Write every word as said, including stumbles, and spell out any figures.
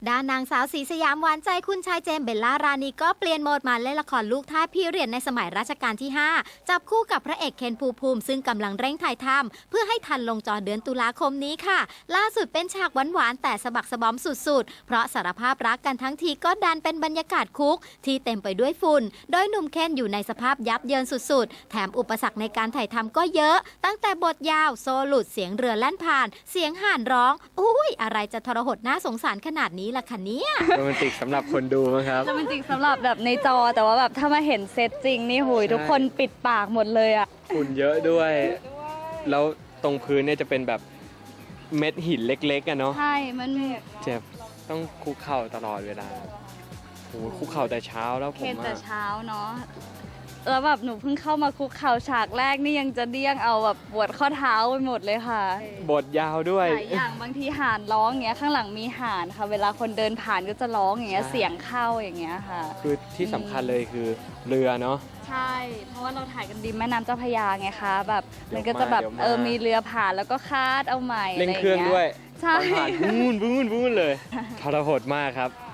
ด้านนางสาวศรีสยามหวานใจคุณชายเจมส์เบลล่ารานีก็เปลี่ยนโหมดมาเล่นละครลูกท่าสพีเรียดในสมัยรัชกาลที่ ห้า จับคู่กับพระเอกเคนภูมิภูมิซึ่งกำลังเร่งถ่ายทำเพื่อให้ทันลงจอเดือนตุลาคมนี้ค่ะ ล่าสุดเป็นฉากหวานๆแต่สะบักสะบอมสุดๆ เพราะสารภาพรักกันทั้งทีก็ดันเป็นบรรยากาศคุกที่เต็มไปด้วยฝุ่นโดยหนุ่มเคนอยู่ในสภาพยับเยินสุดๆแถมอุปสรรคในการถ่ายทำก็เยอะ ตั้งแต่บทยาวโซหลุดเสียงเรือแล่นผ่านเสียงห่านร้องอุ้ยอะไรจะทรหดน่าสงสารขนาดนี้ล่ะคะเนี่ยโรแมนติกสำหรับคนดูมั้งครับโรแมนติกสำหรับแบบในจอแต่ว่าแบบถ้ามาเห็นเซตจริงนี่หุยทุกคนปิดปากหมดเลยอ่ะฝุ่นเยอะด้วย แล้วตรงพื้นเนี่ยจะเป็นแบบเม็ดหินเล็กๆอะเนาะใช่ มันเจ็บต้องคุกเข่าตลอดเวลาโอ้โหคุกเข่าแต่เช้าแล้วผเคนมแต่อะเช้าเนาะแล้วแบบหนูเพิ่งเข้ามาคุกเข่าฉากแรกนี่ยังจะเดี้ยงเอาแบบปวดข้อเท้าไปหมดเลยค่ะบทยาวด้วยหลายอย่างบางทีห่านร้องอย่างเงี้ยข้างหลังมีห่านค่ะ เวลาคนเดินผ่านก็จะร้องอย่างเงี้ยใช่เสียงเข้าอย่างเงี้ยค่ะคือที่สำคัญเลยคือเรือเนาะใช่ เพราะว่าเราถ่ายกันริมแม่น้ำเจ้าพระยาไงคะแบบเดี๋มัยวนก็จะแบบมาเดี๋ยวมาเออมีเรือผ่านแล้วก็คาดเอาใหม่เร่งะไเครื่องด้วยใช่ตอนผ่านบูนบูนบูนเลยทรหดมากครับ